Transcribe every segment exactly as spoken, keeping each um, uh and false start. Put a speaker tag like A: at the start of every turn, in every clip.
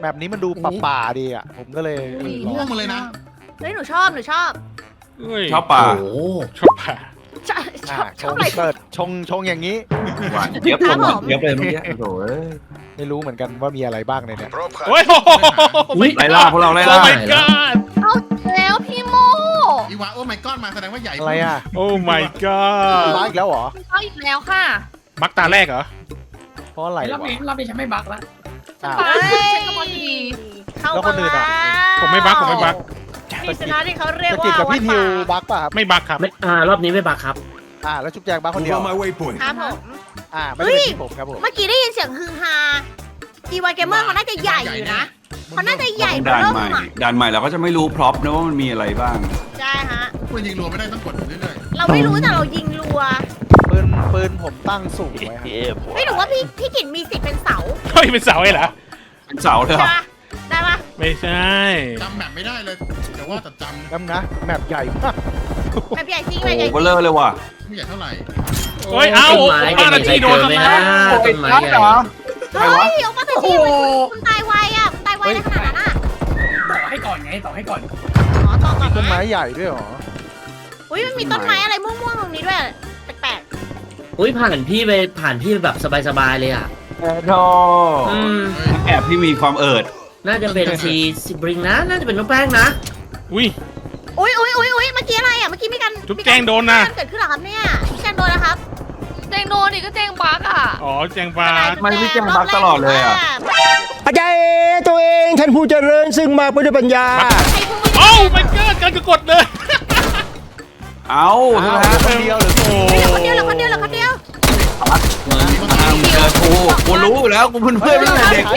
A: แบบนี้มันดูป่าๆดีอ่ะผมก็เลย
B: ม่วงมาเลยนะ
C: เฮ้ยหนูชอบหนูชอบ
D: ชอบป่า
E: โอ้
D: ชอบป่า
C: ชอบช
A: อ่า
C: อบ
A: ช
C: ชอบ
A: ง
C: อะไร
A: เปิดชงชงอย่างนี้
E: หวานเจี๊ยบลงหวานเจี๊ยบเลยเมื่อกี้โอ้ย
A: ไม่รู้เหมือนกันว่ามีอะไรบ้างในเนี้ย
D: โอ้ย
E: อุ้ยไล่ล่าพวกเราไล่
D: โอ้
E: ล่า
D: my god
C: เอาแล้วพี่โม
B: อีวาโอ้ไม่ก้อนมาแสดงว่าใหญ่
A: อะไรอ่ะ
D: โอ้ my god
A: บ้าอีกแล้วเหรอ
C: เอาอีกแล้วค่ะ
D: บักตาแรกเหรอ
A: เพราะอะไร
F: รอบ
A: วะ
F: นี้รอบนี้ฉันไม่บักละ
A: อ้าว
C: ไปฉันก็พอดีเข้า
A: แล้วคนอื่นอะ
D: ผมไม่บักผมไม่บัก
C: นี่ชนะที่เขาเรียก
A: ตะ
C: ว่า
A: กิดกับพี่
C: วัด
A: ทิว
C: ป่า
A: บักป่ะครับ
D: ไม่บักครับ
E: ไม่อ่ารอบนี้ไม่บักครับ
A: อ่าแล้วจุ๊บแจงบักคนเดียว
G: Move on my waypoint.
C: ครับผม
A: อ่าไม่ได้เป็นที่ผมครับผม
C: เมื่อกี้ได้ยินเสียงฮือฮาอีวาเกมเมอร์เขาน่าจะใหญ่อยู่นะเขาน่าจะใหญ่
E: ด่าน
C: เริ่ม
E: ใหม่
C: อ่ะ
E: ด่านใหม่เราก็จะไม่รู้พร็อพนะว่ามันมีอะไรบ้าง
C: ใช่ฮะ
B: คุณยิงรัวไม่ได้ต้องกดเรื่อย
C: เราไม่รู้แต่เรายิงรัว
A: ปืนปืนผมตั้งสูงไว้ครับ
C: เฮ้ยหนูว่าพี่พี่กินมีสิทธิ์เป็นเสา
D: เฮ้ยเป็นเสาไอ้เหรอ
E: เป็นเสาเลยเหร
C: ใช่
E: อ
C: ปะได้ปะ
D: ไม่ใช่
B: ๆจำแบบไม่ได้เลยแต่ว่าแต่จ
A: น้ำนะแมปใหญ่มาก
C: แบบใหญ่จริง
E: โอ้
C: แบบใหญ่
E: โห
C: จ
E: เบ
C: ริ
E: ล
C: ง
E: อเลยว่ะ
B: ำไม่ใหญ่เท่าไหร่
D: โอ้ยเอ้า
E: ต้นไม้
D: บ้าน
E: จะ
D: อา
E: มี
D: ชี
E: ใคร
D: โด
E: เจ
D: น
E: อไหม
D: ทำไม
E: นะต้นไม้ใหญ่
C: เฮ้ยเอามาแต่ที่คุณตายไวอ่ะคุณตายไวในขนาดนั้นอ่ะ
F: ต่อให้ก่อนไงต่อให้ก่อน
C: อ๋อต่อก่อน
A: ต้นไม้
C: นะ
A: ใหญ่ด้วยเหรอ
C: อุ้ยมันมีต้นไม้อะไรม่วงๆตรงนี้ด้วยแปลก
E: อุ้ยผ่านพี่ไปผ่านพี่แบบสบายๆเลยอ่ะ
A: แอดดอ
E: อืม
B: เฮ้ย
E: แอบพี่มีความเอิด
A: ซี
E: ซีบริงนะ น่าจะเป็นน้องแป้งนะ
D: อุ้ย
C: ๆอุ้ยอุ้ยอุ้ยอุ้ยเมื่อกี้อะไรอ่ะเมื่อกี้มีการ
D: จุ๊บแจงโดนนะ
C: มีการเกิดขึ้นเหรอครับเนี่ยจุ๊บแจงโดนนะครับ
H: แจงโดนดิก็แจงบักอ่ะ
D: อ๋อแจงฟ้า
E: ทำไมพี่แจงบักตลอดเลยอะ
I: อาจารย์ตัวเองท่านผู้เจริญซึ่งมาไปด้วยปัญญา
C: ใครพูดไม่
D: โอ้
C: ได้
D: my god การจะกดเลย
E: เอาใช่ไหมฮะ
A: คนเดียวหรือ
D: โอ้
C: เหลือคนเดียวเหลือคนเดียวเหลือคนเดียว
E: มึงทางเจอกูกูรู้อยู่แล้วกูเพื่อนเพื่อนตั้งแต่เด็ก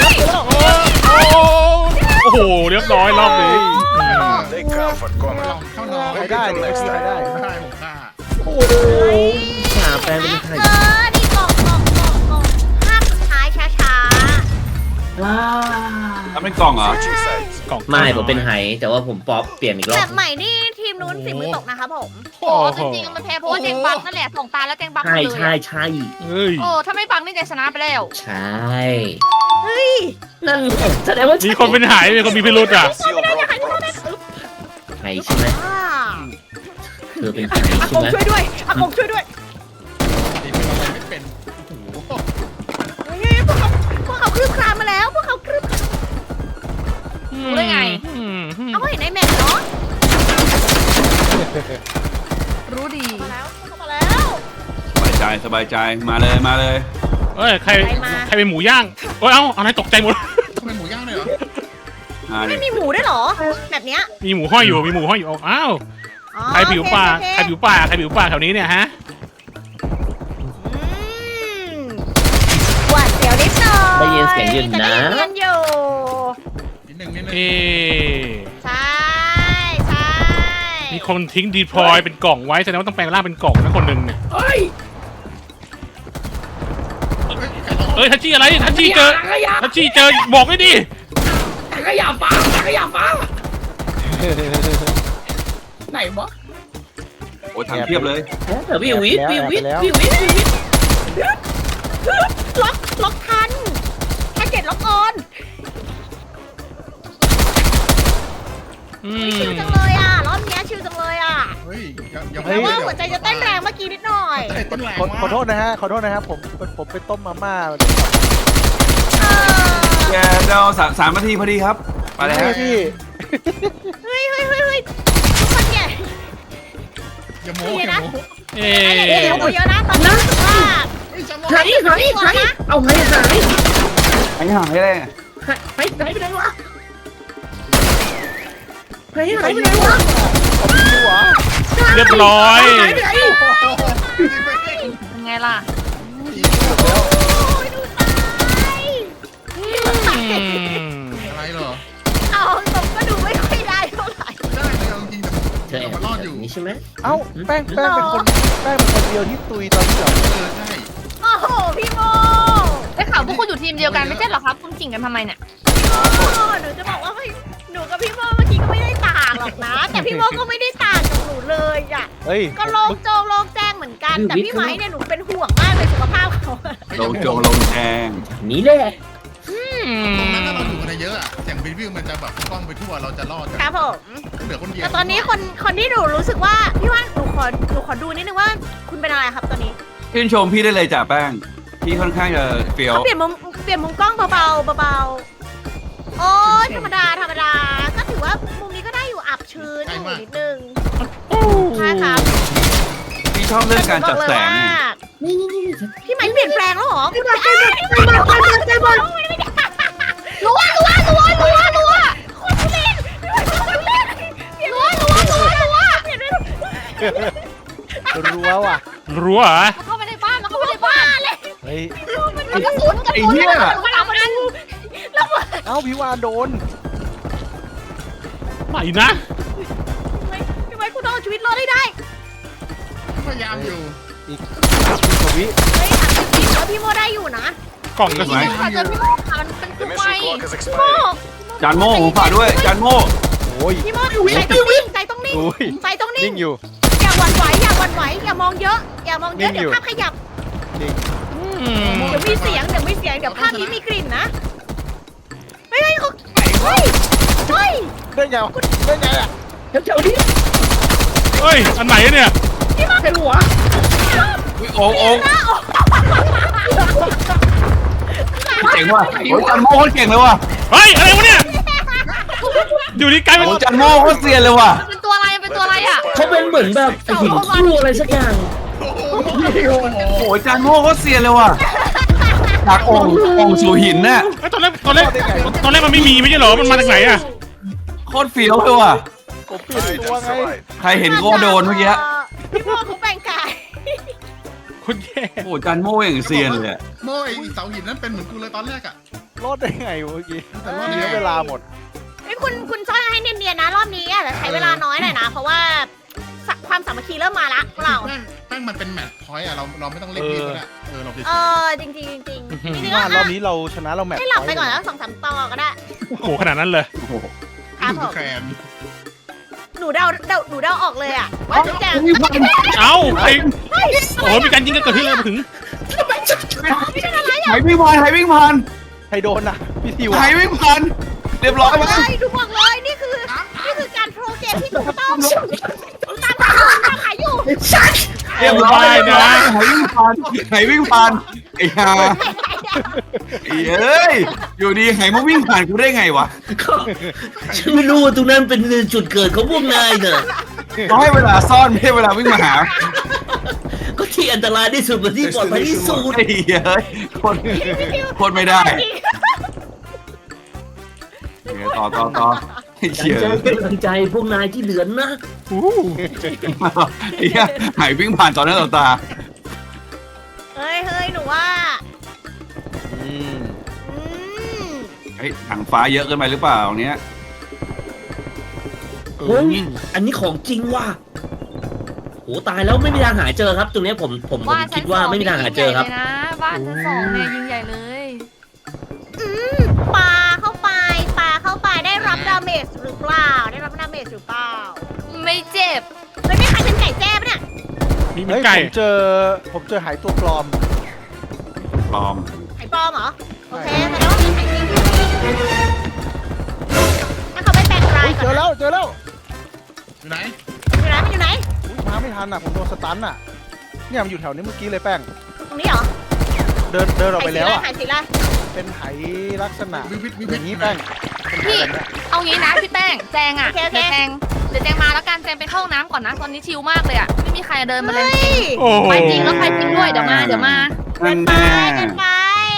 D: โอ้โหเรียบร้อยรอบนี้
G: Take comfort,
B: ล
G: comrade.
B: องเข้านอน
A: ใครได้ดิใครได้
B: ไม่ได้ผมฆ่า
E: หาแป้งเป็นใคร
C: เออนี่กล่องกล่องกล่องกล่องภาพสุดท้ายช้า
E: ทำเป็นกล่องเหรอ
G: Switching sides.
D: กล่อง
E: ไม่ผมเป็นไหแต่ว่าผมป๊อปเปลี่ยนอีก
C: ๆ
E: รอ
C: แบบ บใหม่นี่ทีมนู้นฝีมือตกนะครับผม
H: โอ้จริงๆมันแพ้เพราะว่าแจงบักนั่นแหละส่งตาแล้วแจงบักหม
E: ใช่
H: ดเลย
E: ใช่
H: อะ
E: ใช่
D: เฮ้ย
H: โอ้ถ้าไม่บักนี่แจงชนะไปแล้ว
E: ใช่
C: เฮ้ย
E: นั่นแสดงว่า
D: มีคนเป็นหายมีคนมีพิรุธอ่ะ
G: Seal rope props.
E: ไหใช่ไหม
C: อ่า
E: เธอเป็นไห
C: อา
E: ใช่
C: กง
E: ไหม
C: ช่วยด้วยอากงช่วยด้วย
B: ตีเป็นอะไรไม่เป็นโอ้โห
C: เฮ้ยพวกเขาพวกเขาคลืบคลานมาแล้ว พวกเขาคลืบ
H: รู้ได้ไง
D: อืม
C: เอาก็เห็นในแมปเนาะ
H: รู้ดี
C: มาแล้วพวกเขามาแล้ว
E: สบายใจสบายใจมาเลยมาเลย
D: เอ้ยใครใครเป็นหมูย่างโอ้ยเอ้าอะไรตกใจหมด
B: ทำไมหมูย่างเลยเหรอ
E: มาดิ
C: ไม่มีหมูด้วยเหรอ แบบเนี้ย
D: มีหมูห้อยอยู่มีหมูห้อยอยู่อ้าว
C: อ๋อ
D: ใครผิวป่า
C: โอเค
D: ใครผิวป่าใครผิวป่าแถวนี้เนี่ยฮะ
C: อืมหวาดเสียวนิดหน่อย
E: ได้ยินเสียงยืน
C: แต่
E: นะ
C: ได้ยินกันอยู่
B: นิดนึงนิดนึง
D: เอ๊ะ
C: ใช่ใช่
D: มีคนทิ้งดีพลอยเป็นกล่องไว้แสดงว่าต้องแปลงร่างเป็นกล่องนะคนหนึ่งเนี่ย
F: เฮ้ย
D: เอ้ยทัชชี่อะไรทัชชี่เจอ
F: ถังขยะ
D: ทัชชี่เจอบอกไม่ดิ
F: ถังขยะฟ้าถังขยะฟ้าไหนวะ
E: โอ้ยทำเทียบเลยเออวิววิทวิววิทวิววิทวิววิท
C: ล็อกล็อกทันแพ็กเกจล็อกออน
D: อื
C: ชิว
D: ม
C: จังเลยอ่ะรอบเนี้ยชิวจังเลยอ่ะ
B: เฮ้ยยังยัง
C: แต่ว่าหัวใจจะเต้นแรงเมื่อกี้นิดหน่อย
B: ใจเต้นแรง
A: ขอ
B: มาก
A: ขอโทษนะฮะขอโทษนะครับผมผมไปต้มมาม่า
C: เออ
E: แกเราสามสามนาทีพอดีครับไปเลยฮะ
A: พี่
C: เฮ้ยเฮ้ยเฮ้ยเฮ้ยทุกคนเนี่ย
B: อย่าโม้อย่าโม้
D: เอ๊
C: เดี๋ยว
D: ะ
C: เดี๋ยวเยอะนะตอนนี้รู้สึกว่า
B: เฮ้ยจะโม้
E: หายหายหายเอาหายหายหายหายเลยหายหายหายไปไหนวะหายหายไปไหนวะ
D: เรียบร้อย
E: หายไปไหน
H: เป็นไงล่ะ
C: โอ้ยดูตาย
D: อืม
B: อะไรเหรอ
C: เอาตรงก็ดูไม่ค่อยได้เท่าไหร่
B: ได้เลยเอาจริง
E: เธอแอบ
B: มันรอดอยู่
E: นี่ใช่ไหม
A: เอ้าแป้งแป้งเป็นคนแป้งเป็นคนเดียวที่ตุยตอนนี้เหรอ
B: เออใช่
C: โอ้โหพี่โม
H: ได้ข่าวพวกคุณอยู่ทีมเดียวกันไม่ใช่เหรอครับ คุณจิ่งกันทำไมเนี่ย
C: พี่โมหนูจะบอกว่าไม่หนูกับพี่โมเมื่อกี้ก็ไม่ได้ต่างหรอกนะ แต่พี่โมก็ไม่ได้ต่างกับหนูเลยอ่ะ
A: เฮ้ย
C: ก็โล่งโจงโล่งแจ้งเหมือนกัน แต่พี่ไม้เนี่ยหนูเป็นห่วงมากเลยสุขภาพเขา
E: ลงโจงลงแดงนี่แหละ
B: ตรงนั้นถ้าเราอยู่กันในเยอะอะเสียงวิววิวมันจะแบบกล้องไปทั่วเราจะรอดกัน
C: ครับผม
B: เหลือคนเดียว
C: แต่ตอนนี้คนคนที่หนูรู้สึกว่าพี่ว่าหนูขอหนูขอดูนิดนึงว่าคุณเป็นอะไรครับตอนนี้
E: ชื่นชมพี่ได้เลยจ่าแป้งพี่ค่อนข้างจะเฟี้ยว
C: เขาเปลี่ยนมุมเปลี่ยนมุมกล้องเบาๆเบาๆโอ้ยธรรมดาธรรมดาก็ถือว่ามุมนี้ก็ได้อยู่อับชื้นอยู่นิดนึงใช่ครับ
E: พี่ชอบเรื่องการจัดแสงเนี่ย
F: นี่นี่นี่
C: พี่ไม้เปลี่ยนแปลงแล้วเหรอคุณใจบอลใจบอลรัวรัวรัวรัวรัวคนทุเรศรัวรัวรัวรัว
A: รั้วว่ะ
D: รั้วเหรอ
H: เข้าไปในบ้านแล้วเข้าไปในบ้านเลย
A: เฮ้ย
H: มันกระสุนกระ
E: ไอ้
H: สุน
E: เหี้ย
C: มันเอามันแล้ว
A: เอ้าพี่วานโดน
D: ไหนนะ
C: ทำไมคุณต้องเอาชีวิตรอดได้ได้
B: พยายามอยู่
A: อีกอีกกว่าวิ
C: เฮ้ยถามจริงๆว่าพี่โมได้อยู่นะ
D: กล่องกระสุน
H: ใครเจอพี่โมค่ะมันเป็น
G: The
H: คือไฟ
G: mission clock is
C: พี่โม
G: expiring.
E: จานโม่ผมฝากด้วยจานโม่
A: โอ้ย
C: พี่โมใจต้องนิ่งใจต้องนิ่ง
A: โอ้ย
C: ใจต้องนิ่
A: นิ่
C: ง
A: งอยู่
C: อย่าหวั่นไหวอย่าหวั่นไหวอย่ามองเยอะอย่ามองเยอะ
A: นิ่งอยู่
C: เดี๋ยวภาพขยับ
A: นิ่ง
D: อืม
C: เดี๋ยวมีเสียงเดี๋ยวมีเสียงเดี๋ยวภาพนี้มีกลิ่นนะเฮ้ยเฮ้ยเขาเฮ้ยเฮ้ย
A: ได้ไงวะได้ไงอ่ะ
F: แถวๆนี้
D: เฮ้ย อันไหนเนี่ย
F: เห็นหัว
E: โอ้โอ้
C: หน้าออก
E: เจ๋งว่ะโอ้ยจานโม่โคตรเก่งเลยว่ะ
D: เฮ้ย อะไรวะเนี่ย อยู่ดีกลายเป็น
E: โอ้ยจานโม่โคตรเซียนเลยว่ะ
H: มันเป็นตัวอะไรมันเป็นตัวอะไรอ่ะ
F: เขาเป็นเหมือนแบบหินคู่อะไรสักอย่าง
E: โอ้ยจานโม่โคตรเซียนเลยว่ะจากองค์องค์สู่หินน่ะ
D: เฮ้ยตอนแรกตอนแรกตอนแรกมันไม่มีไม่ใช่เหรอ มันมาจากไหนอะ
E: โคตรเฟี้ยวเลยว่ะ
A: ผมเปลี่ยน
G: Right,
A: ตัว
G: that's
A: ไง
G: right.
E: ใครเห็นก็โดนเมื่อกี้
C: พี่โมเขาแบ่งกาย
D: คุณแย่
E: โอ้ยจานโม่อย่างเซียนเลยอะ
B: โม่ไอ้เสาหินนั้นเป็นเหมือนกูเลยตอนแรกอะ
A: รอดได้ไงวะเมื่อกี้
B: แต่รอดได้ไง
A: เสียเวลาหมด
C: เฮ้ยคุณคุณซ่อนให้เนียนๆนะรอบนี้อาจจะใช้เวลาน้อยหน่อยนะ เพราะว่าสความสามัคคีเริ่มมาละพวกเรา
B: แป้งแป้งมันเป็นแมตช์พอยต์อะเราเราไม่ต้องเล่นดีก็ได้เออเราไป
C: เออจริงๆจริงๆจริงๆ
A: พี่
C: ก็
A: ว่ารอบนี้เราชนะเราแมตช์
C: ให้หลับไปก่อนแล้วสองสามต่อก็ได้
D: โอ้โหขนาดนั้นเลย
E: โอ้โห
C: ครับผ
B: ดู
C: ม
B: แคน
C: หนูเดาเดาหนูเดาออกเลยอะว่าจุ๊บแจง
D: เอ้าไอโอ้โหมีการยิงกันเกิดขึ้นเลยมาถึง
E: ไหวิ่งผ่านไหวิ่งผ่าน
A: ใครโดนน่ะพี่ทิว
E: ไหวิ่งผ่านเรียบร้อย
C: เล
E: มั้ย
C: ยดูบอกเลยนี่คือนี่คือการโปรเจกต์ที่ถูกต้องตามขายอยู่ตามขายอยู่
E: เรียบร้อยนะไหวิ่งผ่านไหวิ่งผ่านไอ้ห่าไอ้เอ้ยอยู่ดีไหมาวิ่งผ่านกูได้ไงวะ
J: ฉันไม่รู้ว่าตรงนั้นเป็นจุดเกิดของพวกนายเนอะ
E: ต้องให้เวลาซ่อนไม่ใช่เวลาวิ่งมาหา
J: ก็ที่อันตรายที่สุดกับที่ปลอดภัยที่สุด
E: ไอ้เอ้ยคนคนไม่ได้ต่อต่อต่อไอ้
J: ฉัน
E: เชี่ย
J: จะเป็นกำลังใจพวกนายที่เหลือนะ
E: ไอ้เหี้ยไหวิ่งผ่านต่อหน้าต่อตา
C: เฮ้ยเฮ้ยหนูว่า
A: อืม
C: อืม
E: เฮ้ยถังฟ้าเยอะเกินไปหรือเปล่าเนี้ย
J: เฮ้ยอันนี้ของจริงว่ะโหตายแล้วไม่มีทางหาเจอครับ ตรงเนี้ยผมผมผม
H: บ้านชั้
J: คิ
H: น
J: ด
H: ส
J: ว่า
H: อง
J: ไม่มีทางหาเจอครับ
H: ยิ่งใหญ่เลยนะบ้านชั้นสองเนี่ยยิงใหญ่เลย
C: อืมปาเข้าไปปาเข้าไปได้รับดาเมจหรือเปล่าได้รับดาเมจหรือเปล่า
H: ไม่เจ็บ
C: เฮ้ยไม่ใครเป็นไก่แจ้ปะเนี่ย
D: มีมี
A: เฮ้ย
D: ไก่
A: ผมเจอผมเจอหายตัวปลอม
E: ปลอม
C: ไข่ปลอมเหรอโอเคแสดงว่ามีไข่จริงอยู่นี่ถ้าเขาไม่แปลงกา
A: เฮ้
C: ย
A: ย
C: ก่
A: เจ
C: อน
A: อแล้วเจอแล้ว
B: อยู่ไหน
C: อยู่ไหนมันอยู่ไหน
A: อุ๊ยมาไม่ทันอ่ะผมโดนสตันอ่ะเนี่ยมันอยู่แถวนี้เมื่อกี้เลยแป้ง
C: ตรงนี้เหรอ
A: เดินเดินออกไปแล้วอ่ะ
C: ไข่สีอะไร
A: เป็นไหลักษณะ
B: วิววิทวิว
A: อ
B: วิท
A: ย่างนี้แป้งเป็นไห
H: พี่
A: แบบเนี้ย
H: เอางี้นะพี่แป้งแจงอ่ะเดี๋ยวแจงเดี๋ยวแจงมาแล้วกันแจงไปเข้าห้องน้ำก่อนนะตอนนี้ชิลมากเลยอ่ะไม่มีใครเดินมาเลย
C: เฮ้ย
D: โอ้โห
H: ไปจริงแล้วไปจริงด้วยเดี๋ยวมาเดี๋ยวมา
E: นั่น
C: ไป
E: แน่
C: กันไป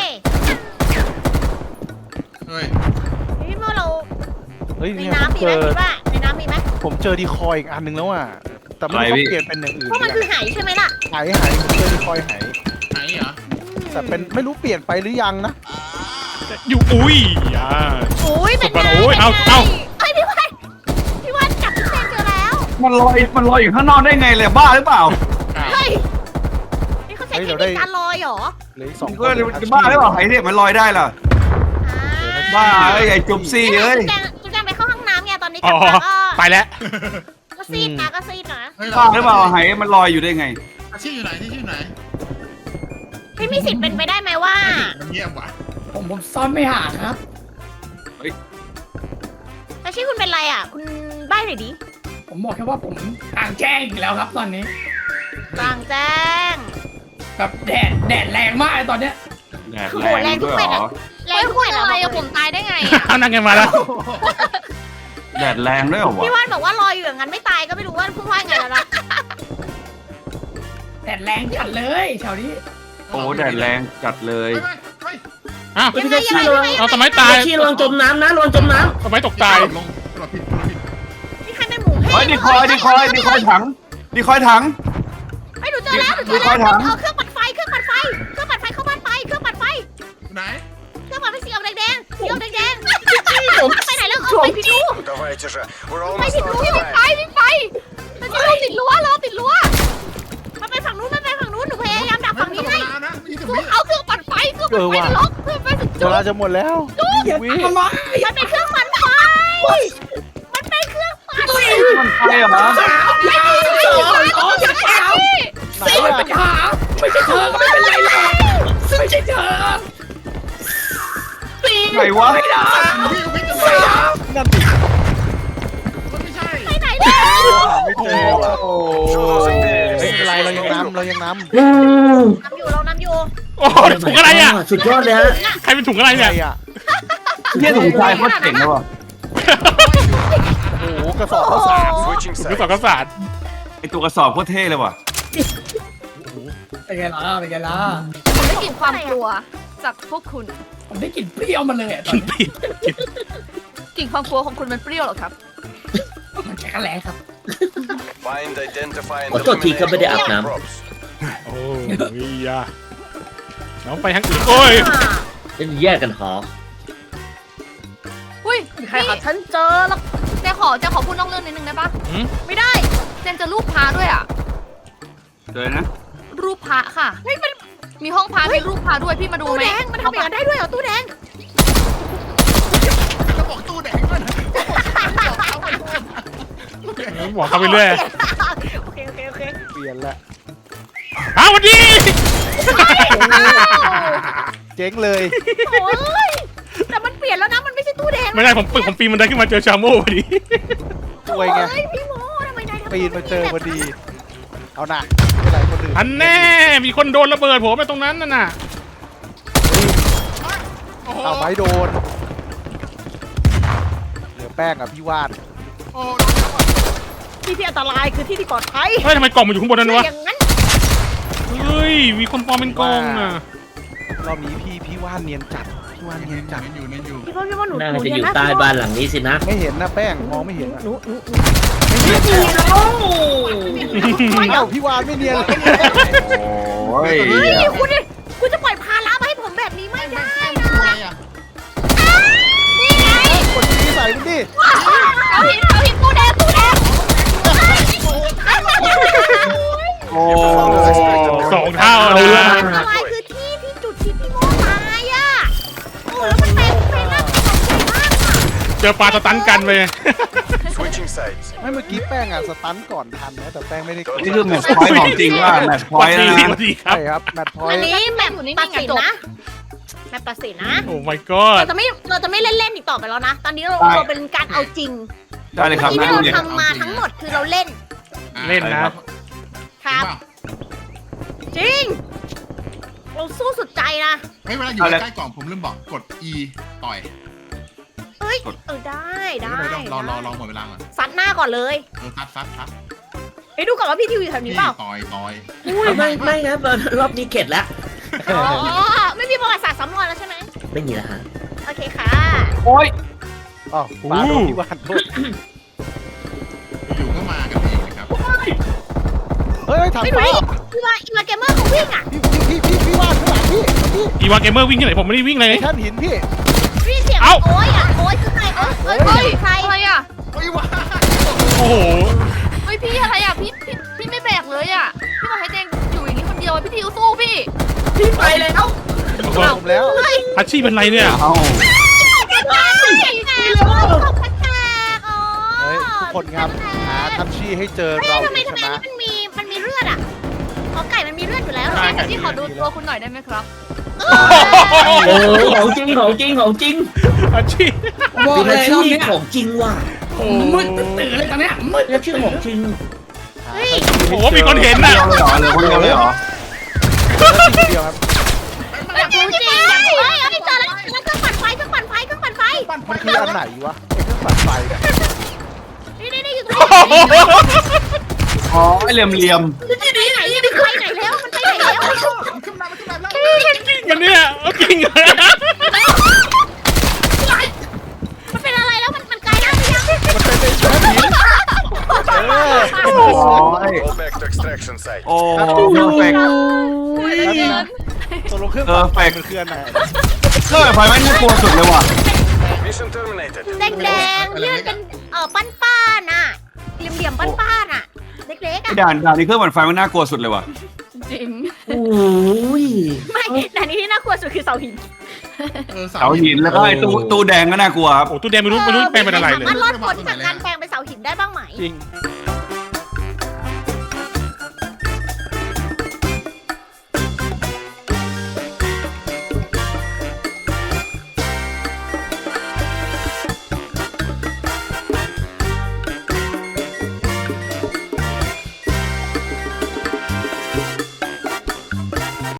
B: เฮ้ย
C: พี่โมเรา
A: เฮ้ย
C: ใน
A: เนี่ยผม
C: น้ำมี
A: เจ
C: ไหม
A: อ
C: คิดว่าในน้ำมีไหม
A: ผมเจอดีคอยอีกอันหนึงแล้วอ่ะแต่ไม่รู้เขาเปลี่ยนเป็นอย่างอื่น
C: เพราะมันคือไหใช่ไหมล่ะ
A: หายหายผมเจอดีคอยหาย
B: ไหนเหรอ
A: แต่เป็นไม่รู้เปลี่ยนไปหรือยังนะ
D: อยู่อุ้ยอ่า
C: โอ้ยเป็นไง
D: โอ้ยเอาเอา
C: เฮ้ยพี่วันพี่วันจับพี่เซนเจอแล้ว
E: มันลอยมันลอยอยู่ข้างนอกได้ไงเลยบ้าหรือเปล่า
C: เฮ้ยนี่เขาใช้เทคนิคการลอยเหรอ
A: เหลยสอง
E: ก็บ้าหรือเปล่าไหเนี่ยมันลอยได้ล่ะ
C: อ่า
E: บ้าไอ้ไอ้จุ๊บซี่เอ้ย
C: จุ๊บแจงจุ๊บแจงไปเข้าห้องน้ำไงตอนนี้ก
D: อ๋
C: ลั
D: อบ
C: มาก็
D: ไปแล้ว
C: ก็ซีดนะก็ซีดนะ
B: เฮ้ย
E: บ้าหรือเปล่าไหมันลอยอยู่ได้ไง
B: อาชีพอยู่ไหนที่ชื่อไหน
C: พี่มีสิทธิ์เป็นไปได้ไหมว่า
B: มันเงียบว่ะ
F: ผมผมซ่อนไม่หาครับ
C: แต่ชื่อคุณเป็นไรอ่ะ คุณใบ้หน่อยดิ
F: ผมบอกแค่ว่าผมกลางแจ้งอีกแล้วครับตอนนี้
C: กลางแจ้ง
F: แบบแดดแดดแรงมากเลยตอนเนี้ย
E: แดดแรงด้วยเหรอ
C: แร
H: เฮ้
C: ง
H: ย
C: ทุก
H: คุ
C: ค
H: ณ
C: น
H: อะไร
C: อะ
H: อะผมตายได้ไงอะ
D: เอานั่งกันมาแล้ว
E: แดดแรงด้วยเหรอวะ
C: พี่ว่านบอกว่าลอยอยู่อย่างนั้นไม่ตายก็ไม่รู้ว่าพูดว่าไงแล้วนะ
F: แดดแรงจัดเลยแถวนี้
E: โอ้แดดแรงจัดเลย
B: ไปไปไป
D: อ้าว
C: ยังไงยังไงยังไง
D: เอาทำไมตาย
J: พี่ระวังจมน้ำนะระวังจมน้
D: ทำไมตกตาย
B: ลงกดผิดกดผิด
C: นี่ใครเป็นหมูเพ่
E: เฮ้ยดีคอยดีคอยดีคอยถังดีคอยถัง
C: ไอ้ยหนูเจอแล้วหนูเจอ
E: มีค
C: แล้
E: อ
C: วย
E: ถาม
C: เอาเครื่องปั่นไฟเครื่องปั่นไฟเครื่องปั่นไฟเข้าบ้านไปเครื่องปั่นไฟ
B: ไหน
C: เครื่องปั่นไฟสีออกแดงๆสีออกแดงๆไปไหนแล้วเอาไปพี่ดู
G: Давайте же. We're
C: ไป
G: almost
C: พี่ดู
G: out
C: พี่
G: of
C: ไป
G: time.
C: พี่ไปมันจะลงติดรั้วรอติดรั้วมันไปฝั่งนู้นมันไปฝั่งนู้นหนูพยายามดักฝั่งนี้ให้
B: เวลานะไม่ถึง
C: ดู
B: วิ
C: เอาเครื่องปั่นไฟเครื่องปั่นไฟล็อกเครื่องปั่นไฟสุด
A: เวลาจะหมดแล้ววิ
F: ทำไม
C: มันเป็นเครื่องปั่นไฟมันเป็นเครื่องปั่นไฟ
E: มันใช่เหรอ
F: อย่าอ๋ออย่าแถว
A: ไหน
F: ไม่
A: อะ
F: เป็นหาไม่ใช่เธอก็ไม่เป็นไรหรอกไม่ใช่เธอตี
E: ไหนวะ
F: ไม่ได้
B: วิ่งวิ่งกัน
F: ไม่
B: เลย
F: ได้
A: นั่นดิ
B: มันไม่ใช่
C: ไปไหนเนี่ย
A: ไม่เจอว่ะ
E: โอ้
A: เฮ้ยไม่เป็นไรเรายังน้ำเรายังน้
J: ำ
C: นำอยู่เรานำอยู่
D: โอ้โหถุงอะไรอ่ะ
J: สุดยอดเลยฮะ
D: ใครเป็นถุงอะไร
A: ำ
D: เนี่
A: ใคร
D: ย
A: อ่ะ
E: เนี่ยถุงชายโคตรเจ๋งเลยว่ะ
A: โอ้โหกระสอบข้าวสาร
G: Switching
D: ถุงกระสอบ
G: sides.
D: ข้าวสาร
E: ไอตัวกระสอบโคตรเท่เลยว่ะ
F: เป็นไงล่ะเป็นไงล่ะ
H: ผมได้กลิ่นความกลัวจากพวกคุณ
F: ผมได้กลิ่นเปรี้ยวมาเลยอะตอนนี้
H: กลิ่นความกลัวของคุณมันเปรี้ยวเหรอครับ
F: มันแค่กระแลครับ
G: Find, identify, and
J: ขอโทษทีครับไม่ได้อาบน้
G: eliminate props.
D: โอ้ยยาน้องไปทางอื่นโอ้ย
J: ำเป็นแยกกันหอ
H: อุ้ย
C: ใครหาฉันเจอหรอก
H: เจนขอเจนขอพูดนอกเรื่องนิดนึงได้ปะ
C: ไม่ได้
H: เจนเจะรูปพระด้วยอ่ะ
E: เจอนะ
H: รูปพระค่ะ
C: เฮ้ยมัน
H: มีห้องพระมีรูปพระด้วยพี่มาดู
C: ตู้
H: ไหม
C: แดงมันทำอย่างนั้นได้ด้วยเหรอตู้แดง
B: จะบอกตู้แดงด้วยนะ
D: บอกเขาไปเรื่อย
C: โอเคโอเคโอเค
A: เปลี่ยนละ
D: อ้าวสวัสดี
A: เจ๊งเลย
C: โอ้ยแต่มันเปลี่ยนแล้วนะมันไม่ใช่ตู้แดง
D: ไม่ได้ผมผมปีนบันไดขึ้นมาเจอชาโม่พอดี
A: สวยไง
C: เฮ้ยพี่โมทำไมนายทำ
A: ปีนมาเจอพอดี เอาหน่ะไม่เป็นไรคนอื่น
D: อันแน่มีคนโดนระเบิดผมไปตรงนั้นน่ะน่ะ
B: โอ้โห
A: เอาไม้โดนเหลือแป้งอ่ะพี่วาด
B: โอ้
C: ที่ที่อันตรายคือที่ที่ปลอดภัย
D: เฮ้ยทำไมกล่องมันอยู่ข้างบนนั้นวะ
C: อย่างนั้น
D: เฮ้ยมีคนปลอมเป็นกล่องอ่ะ
A: รอบนี้พี่พี่วาดเนียนจัดพี่วาด
B: ย
A: เนียนจัด
B: นั่นอยู่นั่นอยู่
C: พี่ว่าพี่ว่าหนู
J: น่า
C: หนู
J: จะอยู่
C: เรีน
J: ใต้
C: พี่ว่
J: บ้านหลังนี้สินะ
A: ไม่เห็นนะแป้งมองไม่เห็นอะ
C: หนูหนูหนู
A: ไม่เอาพี่วาดไม่เนียนเลย
E: โอ้ย
C: เฮ้ยคุณดิคุณจะปล่อยภาระมาให้ผมแบบนี้ไม่ได้นะ
B: อะไรอ่ะ
C: นี่ไง
A: กดชี้ใส่มันดิ
C: เอาหินเอาหินตู้แดงตู้แดง
E: โอ้
D: สองเท่า
J: เอา
D: นะ
J: ละ
C: อันตรายคือที่ที่จุดที่พี่โมตายอ่ะโอ้แล้วมันเป็นเป็นหน้าที่ของใหญ่มากอ่ะ
D: เจอปลาสตันกันไป
G: Switching sides.
A: ไม่เมื่อกี้แป้งอ่ะสตันก่อนทันนะแต่แป้งไม่ได้กด
E: นี่คือแมตช์พอยต์ของจริงว่าแมตช์พ
D: ส
E: อ
D: วั
E: ย
D: ส
E: ต์
D: ดี
E: นะ
D: สวัสดีครับ
A: ใช่ครับแมตช์พอย
C: อัน
A: ต์
C: นี้แบบ
H: อยู่นิ่งๆ
C: ตัดสิน
H: อ่ะจบ
C: นะแบบตัดสินนะ
D: โอ้ my god
C: เราจะไม่เราจะไม่เล่นเล่นๆอีกต่อไปแล้วนะ ตอนนี้เราเราเป็นการเอาจริง
E: ได้เลยครับ
C: ที่
E: นั่ง
C: เรา
E: เนี่ย
C: ทำมาทั้งหมดคือเราเล่น
D: เล่นนะ
C: ครับ จริง เราสู้สุดใจนะ
B: เฮ้ยเวลาอยู่ใกล้กล่องผมลืมบอกกด E ต่อย
C: เฮ้ยเออได้ได้
B: เดี๋ยวรอรอรอหมดเวลาก่อน
C: ซัดหน้าก่อนเลย
B: เออซัดซัดซัด
C: เฮ้ยดูก่อนว่าพี่ทิวอยู่แถวนี้
B: พี่
C: เปล่า
B: ต่อยต่อย
J: ไม่ไม่ครับรอบนี้เข็ดแล้ว
C: อ๋อไม่มีประวัติศาสตร์ซ้ำรอยแล้วใช่ไหม
J: ไม่มีแล้วฮะ
C: โอเคค่ะ
E: โอ้ย
A: อ๋อปลาโดนพี่วาดโทษ
B: อยู่ก็มากันเองนะครับ
A: เฮ้ยถัง
C: ไม่ดู
A: ฟ้า
C: ดิพี่ว่าอีมาเกมเมอร์เขาวิ่งอ่ะ
A: พี่พี่พี่พี่วาดข้างหลังพี่พี่
D: อีวาเกมเมอร์วิ่งที่ไหนผมไม่ได้วิ่งเลย
A: แท่นหินพี่
C: พี่เสียง
D: เอ้า
C: โอ้ยอ่ะโอ้ยคือใครเอ้ยเอ้ยเอ้ยใคร
H: อะไรอ่ะ
B: เฮ้ยว้า
D: โอ้โห
H: เฮ้ยพี่อะไรอ่ะพี่พี่พี่ไม่แบกเลยอ่ะพี่บอกให้เจนอยู่อย่างนี้คนเดียวพี่ทิวสู้พี่
F: พี่ไปแล้ว
A: ผมแล้ว
D: อาชีพเป็นไรเนี่ย
E: เอ้า
C: แกแตกแตกโอ้ยตกแตกอ๋อ
A: เฮ้ยทุกคนครับหาทัชชี่ให้เจอ
C: เฮ้ย
A: เรา
C: ทำไม
A: จะ
C: ทำ
A: ช
C: ไมอัน
A: นะ
C: นี้มันมีมันมีเลือดอ่ะอ๋อไก่มันมีเลือดอยู่แล้วเหรอ
D: ใช่
H: ที่ขอดูตัวคุณหน่อยได้ไหมครับ
J: โอ้ของจริงของจริงของจริง
D: อาชีพ
F: บอก
J: ดู
F: เล
J: แล
F: ยร
J: ชื่
F: อบ
J: อ
F: เนี้ย
J: ของจริงว่ะ
F: มืดตื่นเลยตอนเนี้ยมืด
J: ดูแลชื่อของจริง
C: เฮ้ย
D: โอ้โหมีคนเห็น
E: คน
D: น่ะ
E: เดียวเลยเหรอเหลือคนเดียวเลยเหรอ
A: ทีเดียวครับ
C: อยากรู้จริงอยากรู้เฮ้ยเฮ้ยเจอแล้วเครื่องปั่นไฟเครื่องปั่นไฟเครื่องปั่นไฟ
A: มันคืออันไหนวะไอ้เครื่องปั่นไฟเนี่ย
C: นี่นี่นี่อยู่ตรงนี้
E: อ๋อไอเหลี่ยมเหลี่ยม
C: ไปไหนมันไปไหนแล้วมันไปไหนแล้ว
B: ขึ้นมาขึ้นมาแล้ว
D: จริงมันเนี่ยเอาจริงเหรอ
C: มันเป็นอะไรแล้วมันมันกลายร่างหรือยัง
A: มันเป็นไอ้แม่ผีเออ
E: โอ้ย
G: Go back to extraction site.
E: โอ้เพอร์เฟกต์
A: แล้วนี่นะตกลงเครื่องปั่นไฟมันคืออันไหน
E: เครื่องไฟไม่น่ากลัวสุดเลยว่ะ
G: Mission terminated.
C: แดงแดงเลื่อนเป็นเอ่อปั้นป้านอ่ะเหลี่ยมเหลี่ยมปั้นป้านอ่ะเล็กๆ
E: ไอ้
C: อ่ะ
E: ด่านด่านนี้เครื่องปั่นไฟมันน่ากลัวสุดเลยว่ะ
H: จริง
J: โอ้ย
C: ไม่แต่นี่ที่น่ากลัวสุดคือเสาหิน
B: เออ
E: เสาหินแล้วก็ไอ้ตู้ตู้แดงก็น่ากลัวครับ
D: โอ้ตู้แดงไม่รู้ไม่รู้เป็นเป็นอะไรเลย
C: มันรอดพ้นจากการแปลงเป็นเสาหินได้บ้างไหม
A: จริง